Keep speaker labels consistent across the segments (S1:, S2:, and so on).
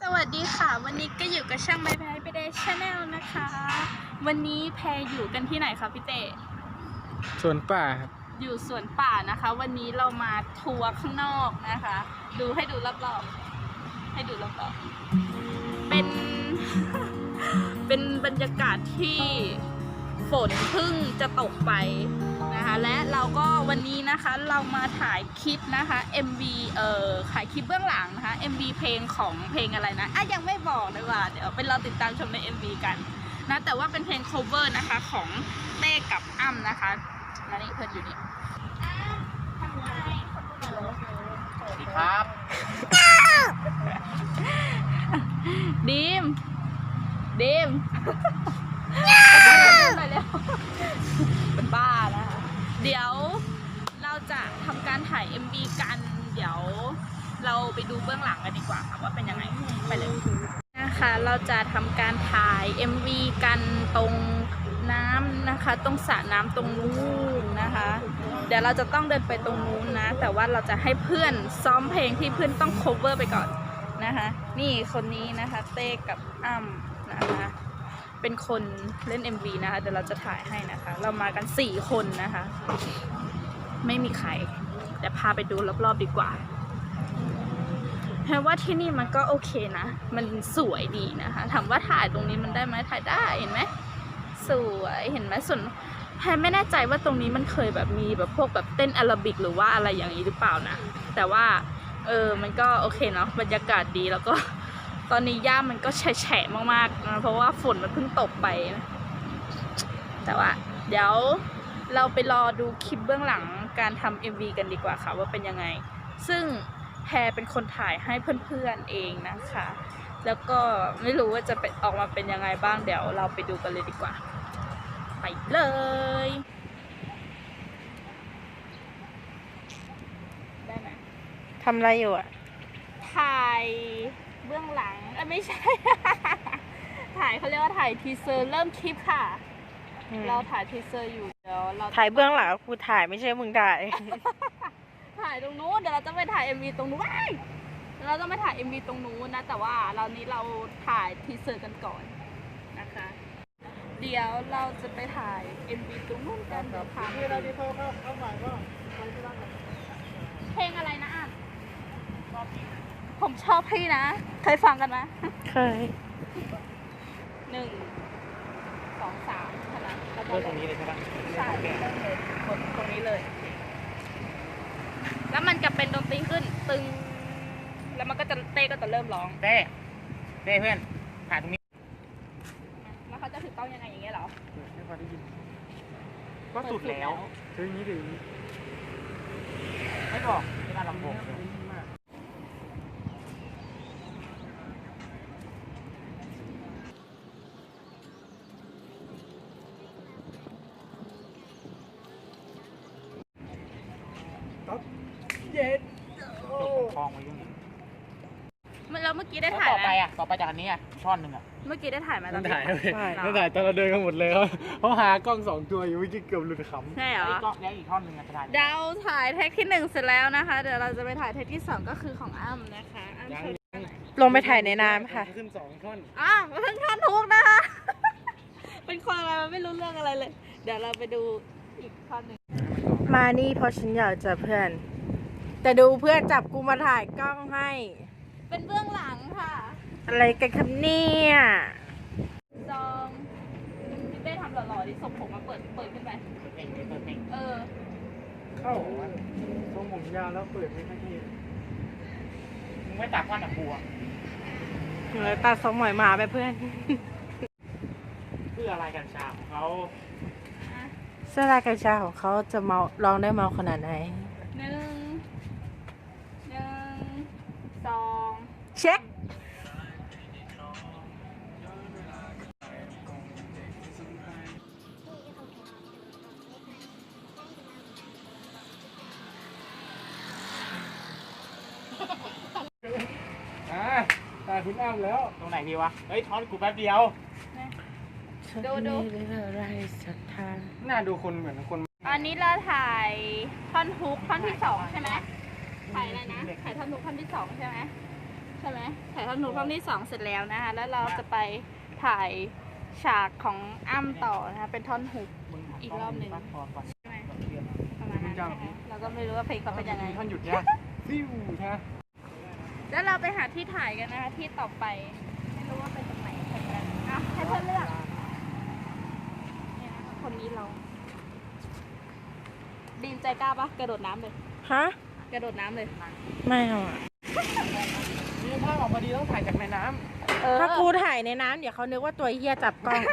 S1: สวัสดีค่ะวันนี้ก็อยู่กับช่างไม้แพรไปเดชแนลนะคะวันนี้แพรอยู่กันที่ไหนคะพี่เต้
S2: สวนป่าครับ
S1: อยู่สวนป่านะคะวันนี้เรามาทัวร์ข้างนอกนะคะดูให้ดูรอบๆให้ดูรอบๆเป็น เป็นบรรยากาศที่ฝนเพิ่งจะตกไปนะคะและเราก็วันนี้นะคะเรามาถ่ายคลิปนะคะ MV ถ่ายคลิปเบื้องหลังนะคะ MV เพลงของเพลงอะไรนะยังไม่บอกเลยว่าเดี๋ยวเป็นเราติดตามชมใน MV กันนะแต่ว่าเป็นเพลง cover นะคะของเต้กับอ้ำนะคะแล้วนี่เพื่อนอยู่นี่
S2: สวัสดีครับ
S1: ดีมเป็นบ้านะคะเดี๋ยวเราจะทำการถ่าย MV กันเดี๋ยวเราไปดูเบื้องหลังกันดีกว่าค่ะว่าเป็นยังไงไปเลยนะคะเราจะทำการถ่าย MV กันตรงน้ำนะคะตรงสระน้ำตรงนู้นนะคะเดี๋ยวเราจะต้องเดินไปตรงนู้นนะแต่ว่าเราจะให้เพื่อนซ้อมเพลงที่เพื่อนต้อง cover ไปก่อนนะคะนี่คนนี้นะคะเต้กับอ้ำนะคะเป็นคนเล่น MV นะคะเดี๋ยวเราจะถ่ายให้นะคะเรามากัน4คนนะคะไม่มีใครแต่พาไปดูรอบๆดีกว่าแปลว่าที่นี่มันก็โอเคนะมันสวยดีนะคะถามว่าถ่ายตรงนี้มันได้ไหมถ่ายได้เห็นไหมสวยเห็นไหมส่วนแพรไม่แน่ใจว่าตรงนี้มันเคยแบบมีแบบพวกแบบเต้นแอโรบิกหรือว่าอะไรอย่างนี้หรือเปล่านะแต่ว่ามันก็โอเคเนาะบรรยากาศดีแล้วก็ตอนนี้หญ้ามันก็แฉะมากๆนะเพราะว่าฝนมันเพิ่งตกไปนะแต่ว่าเดี๋ยวเราไปรอดูคลิปเบื้องหลังการทำ MV กันดีกว่าค่ะว่าเป็นยังไงซึ่งแพรเป็นคนถ่ายให้เพื่อนๆเองนะคะแล้วก็ไม่รู้ว่าจะออกมาเป็นยังไงบ้างเดี๋ยวเราไปดูกันเลยดีกว่าไปเลยได้ไหม
S2: ทำอะไรอยู่อ่ะ
S1: ถ่ายเบื้องหลังไม่ใช่ ถ่ายเขาเรียกว่าถ่ายทีเซอร์เริ่มคลิปค่ะเราถ่ายทีเซอร์อยู่เดี๋ยวเรา
S2: ถ่ายเบื้องหลังกูถ่ายไม่ใช่มึงถ่าย
S1: ถ่ายตรงนู้นเดี๋ยวเราจะไปถ่าย MV ตรงนู้นเราต้องไปถ่าย MV ตรงนู้นนะแต่ว่าเราถ่ายทีเซอร์กันก่อนนะคะเดี๋ยวเราจะไปถ่าย MV ตรงนู้นกันเดี๋ยวพาเพลงอะไรนะอ่ะผมชอบพี่นะเคยฟังกันไหม
S2: เคย
S1: 1 2 3ใช่ไหมแล้วก็
S2: ตรงนี้เลยใช่ปะ
S1: ใช่เลยกดตรงนี้เลยแล้วมันจะเป็นดนตรีขึ้นตึงแล้วมันก็จะเต้ก็จะเริ่มร้อง
S2: เต้เพื่อนถ่ายตรงนี้
S1: แล้วเขาจะถือต้องยังไงอย่างเงี้ยเหรอ
S2: ไม่พอได้ยินก็สุดแล้วถึงนี้ถึงไม่บอกที่บ้านลำโพงเย็นคลองไว้ยัง
S1: แล้วเมื่อกี้ได้ถ่ายไหม
S2: ต่อไปจากอันนี้ช่อนหนึ่ง
S1: เมื่อกี้ได้ถ่ายไหมตอน
S2: ถ่ายตอนเราเดินกันหมดเลยเขาหากล้อง2 ตัวอยู่เมื่อกี้เกือบหลุดขำ
S1: ใช่เหรอ
S2: แล้วอีกท่อนหนึ่งจะถ่าย
S1: เราถ่ายเทคที่1เสร็จแล้วนะคะเดี๋ยวเราจะไปถ่ายเทคที่2ก็คือของอ้ำนะคะ
S2: ลงไปถ่ายในน้ำค่ะขึ้น2 ท่อน
S1: เพิ่งท่อนทุกนะคะเป็นคนอะไรมันไม่รู้เรื่องอะไรเลยเดี๋ยวเราไปดูอีกท่อนหนึ่ง
S2: มานี่เพราะฉันอยากจะเพื่อนแต่ดูเพื่อนจับกูมาถ่ายกล้องให้
S1: เป็นเบื้องหลังค่ะ
S2: อะไรกันครับเนี่ย
S1: จองพี่เต้ทำหล่อๆดิส่งผมมาเปิดขึ้นไป
S2: เข้าทรงผมยาวแล้วเปิดไม่ค่อยดีมึงไม่ตัดฟันหนักบัวตัดทรงหมอยหมาไปเพื่อนเพื่ออะไรกันชาของเขาเสื้อลายกัญชาของเขาจะเมาลองได้เมาขนาดไหน
S1: 1 2
S2: เช็คตายคุณอ้ำแล้วตรงไหนดีวะเฮ้ยทอนกูแป๊บเดียว
S1: ดู
S2: น่าดูคนเหมือนคน
S1: อันนี้เราถ่ายท่อนฮุกท่อนที่2ใช่ไหมถ่ายอะไรนะถ่ายท่อนฮุกท่อนที่2ใช่ไหมช่ไหมถ่ายท่อนฮุกท่อนที่2เสร็จแล้วนะคะแล้วเราจะไปถ่ายฉากของอ้ำต่อนะคะเป็นท่อนฮุกอีกรอบหนึ่งใช่ไหมประมาณนั้นใช่ไหมเราก็ไม่รู้ว่าเพลงเขาเป็นยังไง
S2: ท่านหยุดเนี่ยซิ่วใช่ไหม
S1: แล้วเราไปหาที่ถ่ายกันนะคะที่ต่อไปไม่รู้ว่าเป็นตรงไหนเหมือนกันอ่ะให้เพื่อนเลือกเนี่ยนะคะคนนี้เราดีมใจกล้าปะกระโดดน้ำเลย
S3: ฮะ
S1: กระโดดน้ำเลย
S3: ไม่เอาอะ
S2: นี่ภาพออกมาดีต้องถ่ายจากในน้
S3: ถ้ากูถ่ายในน้ำเดี๋ยวเขานึกว่าตัวเฮียจับกล้อง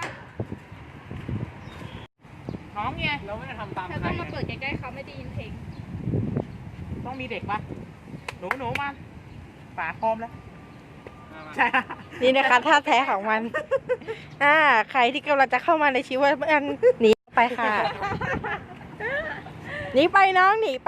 S2: ำน้องไงเราไม่ได้ทำตาม
S1: เธอ
S2: ใคร
S1: ต้องมาเปิดใกล้ๆเขาไม่ได้ยินเพลง
S2: ต้องมีเด็กปะหนูมาป๋าพร้อมแล้วใช่
S3: นี่นะคะท่าแท้ของมัน ใครที่กำลังจะเข้ามาในชีวิตมันหนีไปค่ะ หนีไปน้องหนีไป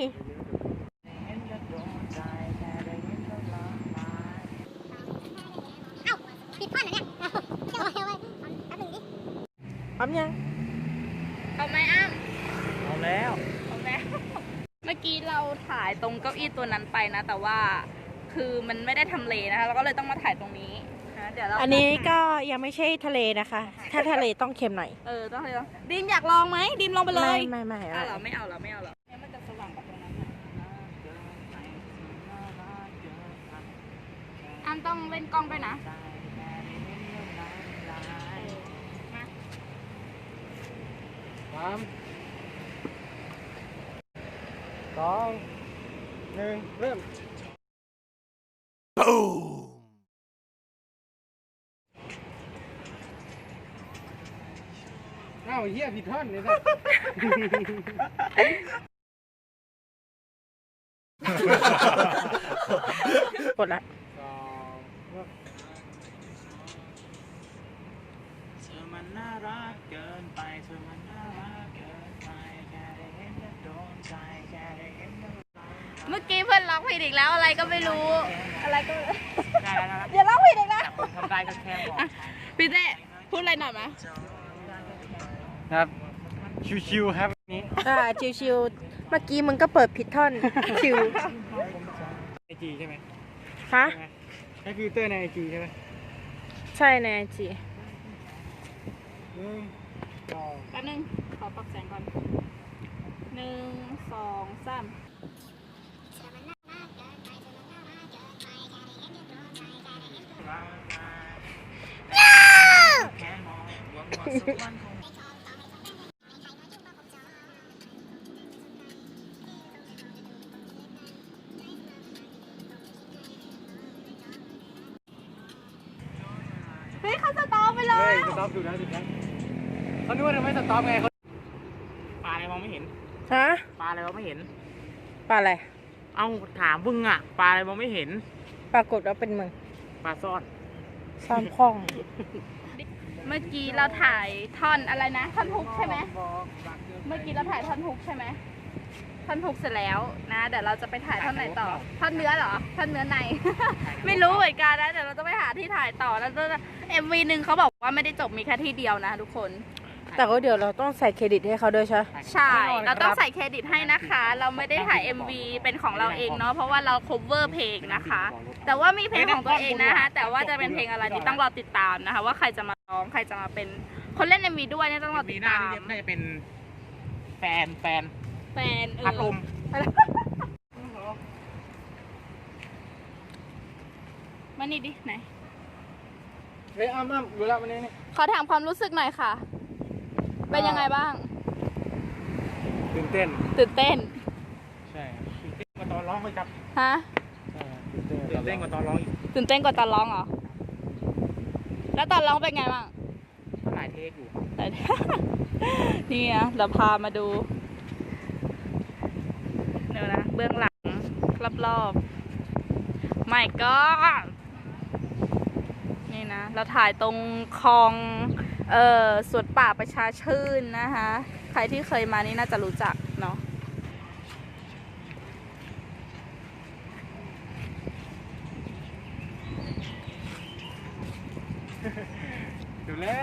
S4: ปิดท่อนเหรอเนี่ยเอาไว้แป๊บนึงดิ
S3: พร้อมยัง
S1: เอาไหมอ้ำ
S2: เอาแล้ว
S1: เอาไหม เมื่อกี้เราถ่ายตรงเก้าอี้ตัวนั้นไปนะ แต่ว่าคือมันไม่ได้ทำเลนะคะเราก็เลยต้องมาถ่ายตรงนี้นะเดี๋ยวเรา
S3: อันนี้ก็ยังไม่ใช่ทะเลนะคะ ถ้าทะเลต้องเค็มหน่อย
S1: ต้องให้ลองดิมอยากลองไหมดิมลองไปเลย
S3: ไม่
S1: อ้าวเหรอไม่เอาเหรอเนี่ยมันจะสว่างกว่าตรงนั้นหน่อยอ้ำต้องเล่นกล้องด้วยนะมา
S2: 3 2 1 เริ่มอ้าวเฮียผิดท่อนเลยนะ
S3: กดละ
S5: เธอมันน่ารักเกินไปเธอมันน่ารักเกินไปแค่ได้เห็นก็โดนใจแค่ได้เห็นก็
S1: เมื่อกี้เพื่อนร้องผิดอีกแล้วอะไรก็ไม่รู้ อะไรก็
S5: ได้แล้ว
S1: อย่าร้องผิดอีกนะ
S5: แต่คนทำได้ก็แค่บอก
S1: พี่เต้พูดอะไรหน่อยไหม
S2: ครับ ชิวๆครับนี้
S3: ชิวๆเมื่อกี้มึงก็เปิดผิดท่อน ชิว
S2: ไอจีใช่ไหม
S3: ฮะ
S2: ใช่ไหมใช้ฟิลเตอร์ในไอจีใช่ไหม
S3: ใช่ในไอจี
S1: แป๊บนึงขอปรับแสงก่อน1 2 3
S5: แค่มองหวังว่าสักวันคง
S1: เฮ้ยเขาสตอปไปเล
S2: เฮ้
S1: ย
S2: ยสต็อปดูนะดูนะเขานึกว่าจะไม่สต็อปไงเขาปลาอะไรมองไม่เห็น
S3: ฮะ
S2: ปลาอะไรมองไม่เห็น
S3: ปลาอะไร
S2: เอ้าถามมึงอ่ะ ปลาอะไรมองไม่เห็น
S3: ปรากฏว่าเป็นมึง
S2: ปลาซ่อน
S3: ซ้อมคล้อง
S1: เมื่อกี้เราถ่ายท่อนอะไรนะท่อนฮุกใช่ไหมเมื่อกี้เราถ่ายท่อนฮุกใช่ไหมท่อนฮุกเสร็จแล้วนะเดี๋ยวเราจะไปถ่ายท่อนไหนต่อท่อนเนื้อเหรอท่อนเนื้อใน ไม่รู้เหมือนกันนะเดี๋ยวเราจะไปหาที่ถ่ายต่อแล้วMV หนึ่งเขาบอกว่าไม่ได้จบมีแค่ที่เดียวนะทุกคน
S3: แต่ก็เดี๋ยวเราต้องใส่เครดิตให้เขาด้วยใช่ไหม
S1: ใช่ เราต้องใส่เครดิตให้นะคะ เราไม่ได้ถ่าย MV เป็นของเราเองเนาะ เพราะว่าเรา cover เพลงนะคะ แต่ว่ามีเพลงของตัวเองนะคะ แต่ว่าจะเป็นเพลงอะไรนี่ต้องรอติดตามนะคะ ว่าใครจะมาร้อง ใครจะมาเป็นคนเล่น MV ด้วยเนี่ยต้องรอติ
S2: มี
S1: ด
S2: หน้า
S1: ตาม
S2: นี่น่าจะเป็นแฟน
S1: แฟน
S2: พัดลม
S1: มานี่ดิไหน
S2: เฮ้ยอ้ำดูแล้ววันนี้นี่
S1: ขอถามความรู้สึกหน่อยค่ะ เป็นยังไงบ้าง
S2: ตื่นเต้น
S1: ตื่นเต้น
S2: ใช่ตื่นเต้นกว่าตอนร้องเลยครับ
S1: ฮะ
S2: ตื่นเต้นกว่าตอนร้องอีก
S1: ตื่นเต้นกว่าตอนร้องเหรอ แล้วตอนร้องเป็นไงบ้าง
S2: หลายเทคอยู่
S1: แต่ นี่นะเราพามาดูเดี๋ยวนะเบื้องหลังรอบๆไม่ก็นี่นะเราถ่ายตรงคลองสวนป่าประชาชื่นนะคะใครที่เคยมานี่น่าจะรู้จักเนาะ
S2: อยู่แล้ว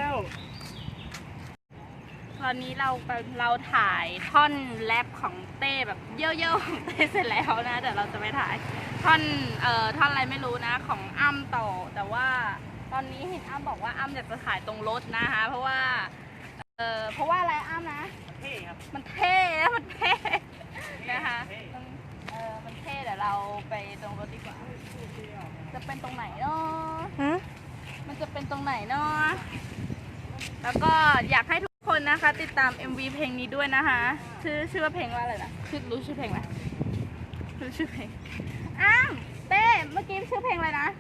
S1: ตอนนี้เราถ่ายท่อนแรปของเต้แบบเย่อะๆของเต้เสร็จแล้วนะเดี๋ยวเราจะไปถ่ายท่อนท่อนอะไรไม่รู้นะของอ้ำต่อแต่ว่าตอนนี้เห็นอ้ำบอกว่าอ้ำอยากจะถ่ายตรงรถนะคะเพราะว่าอะไรอ้ำนะ
S5: เท่ครับ
S1: มันเท่นะมันเท่นะคะมันเท่เดี๋ยวเราไปตรงรถดีกว่าจะเป็นตรงไหนเนาะ
S3: หืม
S1: มันจะเป็นตรงไหนเนาะแล้วก็อยากให้ทุกคนนะคะติดตาม MV เพลงนี้ด้วยนะคะชื่อว่าเพลงว่าอะไรนะรู้ชื่อเพลงไหมรู้ชื่อเพลงอ้าวเต้เมื่อกี้ชื่อเพลงอะไรนะ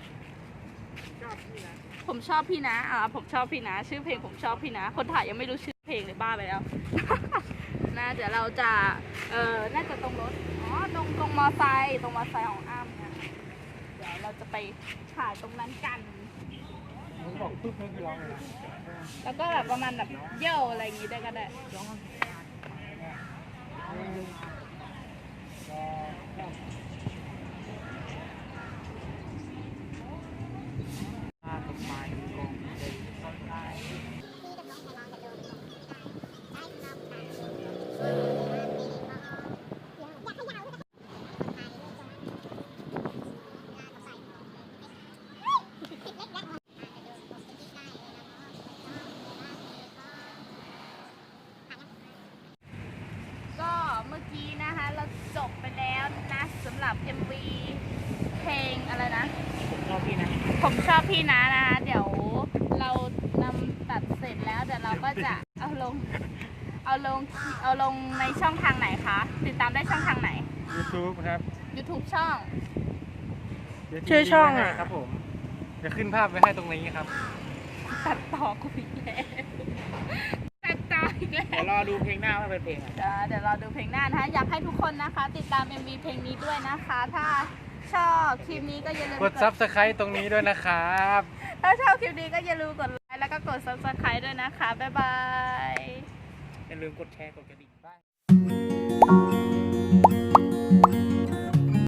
S1: ผมชอบพี่นะผมชอบพี่นะชื่อเพลงผมชอบพี่นะคนถ่ายยังไม่รู้ชื่อเพลงเลยบ้าไปแล้ว นะเดี๋ยวเราจะน่าจะตรงรถตรงมอไซค์ของอ้ำนะเดี๋ยวเราจะไปถ่ายตรงนั้นกัน
S2: มึงบอกปึ๊บนี่คือร้องเลยนะ
S1: แล้วก็แบบประมาณแบบเย่อะไรอย่างงี้ได้ก็ได้ ก็เมื่อกี้นะคะเราจบไปแล้วนะสำหรับ MV เพลงอะไรนะ
S5: ผมชอบพี่นะ
S1: ผมชอบพี่นะนะคะเดี๋ยวเรานำตัดเสร็จแล้วเดี๋ยวเราก็จะเอาลงในช่องทางไหนคะติดตามได้ช่องทางไหน
S2: YouTube ครับ
S1: YouTube ช่อง
S2: เดี๋ยว
S3: ชื่อช่อง
S2: ให้
S3: อ่ะ
S2: ครับผมจะขึ้นภาพไว้ให้ตรงนี้ครับ
S1: ตัดต่อกูอีกแล้วตัดต่ออีกแล้ว
S5: เดี๋ยวรอดูเพลงหน้าว่าเป็นเพลงอะไร
S1: เดี๋ยวเราดูเพลงหน้านะคะอยากให้ทุกคนนะคะ ติดตาม MV เพลงนี้ด้วยนะคะ ถ้าชอบคลิปนี้ก็อย่าลืม
S2: กด Subscribe ตรงนี้ด้วยนะครับ
S1: ถ้าชอบคลิปนี้ก็อย่าลืมกดไลค์แล้วก็กด Subscribe ด้วยนะคะ บ๊ายบาย
S5: อย่าลืมกดแชร์กดกระดิ่งบ้าง